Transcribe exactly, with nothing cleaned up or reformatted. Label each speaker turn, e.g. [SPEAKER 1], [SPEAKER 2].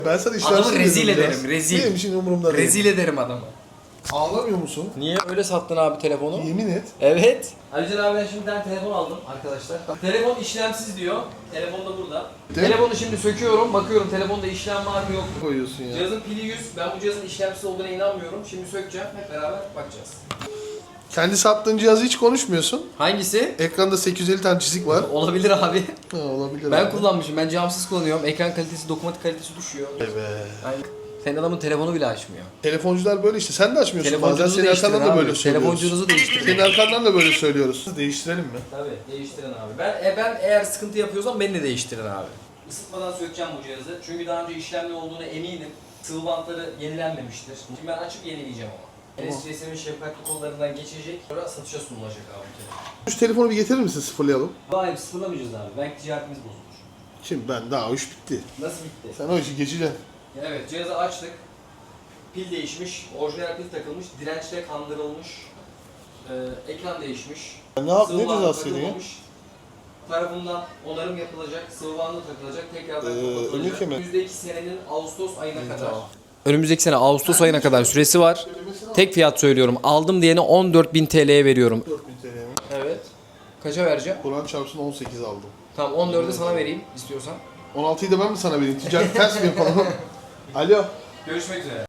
[SPEAKER 1] Ben sana işlemsiz
[SPEAKER 2] Adamı rezil
[SPEAKER 1] dedim
[SPEAKER 2] ederim,
[SPEAKER 1] biraz.
[SPEAKER 2] rezil.
[SPEAKER 1] Benim için umurumda değil.
[SPEAKER 2] Rezil ederim adamı.
[SPEAKER 1] Ağlamıyor musun?
[SPEAKER 2] Niye öyle sattın abi telefonu?
[SPEAKER 1] Yemin et.
[SPEAKER 2] Evet. Alican abi ben şimdi bir tane telefon aldım arkadaşlar. Telefon işlemsiz diyor. Telefon da burada.
[SPEAKER 1] Değil mi?
[SPEAKER 2] Telefonu şimdi söküyorum. Bakıyorum telefonda işlem var mı yok mu?
[SPEAKER 1] Koyuyorsun ya.
[SPEAKER 2] Cihazın pili yüz. Ben bu cihazın işlemsiz olduğuna inanmıyorum. Şimdi sökeceğim. Hep beraber bakacağız.
[SPEAKER 1] Kendi sattığın cihazı hiç konuşmuyorsun.
[SPEAKER 2] Hangisi?
[SPEAKER 1] Ekranda sekiz yüz elli tane çizik var.
[SPEAKER 2] Olabilir abi.
[SPEAKER 1] Ha, olabilir
[SPEAKER 2] Ben
[SPEAKER 1] abi.
[SPEAKER 2] kullanmışım. Ben camsız kullanıyorum. Ekran kalitesi, dokunmatik kalitesi düşüyor.
[SPEAKER 1] Evet.
[SPEAKER 2] Yani senin adamın telefonu bile açmıyor.
[SPEAKER 1] Telefoncular böyle işte. Sen de açmıyorsun bazen.
[SPEAKER 2] Telefoncunuzu
[SPEAKER 1] Senin
[SPEAKER 2] değiştirin
[SPEAKER 1] arkandan da
[SPEAKER 2] abi.
[SPEAKER 1] böyle söylüyoruz.
[SPEAKER 2] Telefoncunuzu değiştirin.
[SPEAKER 1] Senin arkandan da böyle söylüyoruz. Değiştirelim mi?
[SPEAKER 2] Tabii değiştirin abi. Ben e, ben eğer sıkıntı yapıyorsam beni de değiştirin abi. Isıtmadan sökeceğim bu cihazı. Çünkü daha önce işlemli olduğunu eminim. Sıvı bantları yenilenmemiştir. Şimdi ben açıp yenileyeceğim ama.
[SPEAKER 1] Tamam.
[SPEAKER 2] N S C S'nin şefkatli kollarından geçecek. Sonra satışa sunulacak abi bu telefon.
[SPEAKER 1] Şu telefonu bir getirir misin, sıfırlayalım?
[SPEAKER 2] Hayır sıfırlamayacağız abi. Belki ticaretimiz bozulur.
[SPEAKER 1] Şimdi ben daha o iş bitti.
[SPEAKER 2] Nasıl bitti?
[SPEAKER 1] Sen o işi geçeceksin.
[SPEAKER 2] Evet cihazı açtık. Pil değişmiş. Orijinal pil takılmış. Dirençle kandırılmış. Ee, ekran değişmiş.
[SPEAKER 1] Ya ne yap,
[SPEAKER 2] Sıvı
[SPEAKER 1] ne
[SPEAKER 2] bandı
[SPEAKER 1] cezası yedin ya?
[SPEAKER 2] takılmamış. Tarafından onarım yapılacak, sıvı bandı takılacak, tekrardan
[SPEAKER 1] Ee,
[SPEAKER 2] kapatılacak.
[SPEAKER 1] önlük mi?
[SPEAKER 2] Önümüzdeki senenin Ağustos ayına kadar.
[SPEAKER 1] Tamam.
[SPEAKER 2] Önümüzdeki sene Ağustos ayına kadar süresi var. Tek fiyat söylüyorum. Aldım diyene on dört bin T L'ye veriyorum.
[SPEAKER 1] dört bin T L mi?
[SPEAKER 2] Evet. Kaça vereceğim?
[SPEAKER 1] Kur'an çarpsın on sekiz aldım.
[SPEAKER 2] Tamam on dörde sana vereyim istiyorsan.
[SPEAKER 1] on altıyı da ben mi sana vereyim? Ticaret ters mi yapalım? Alo.
[SPEAKER 2] Görüşmek üzere.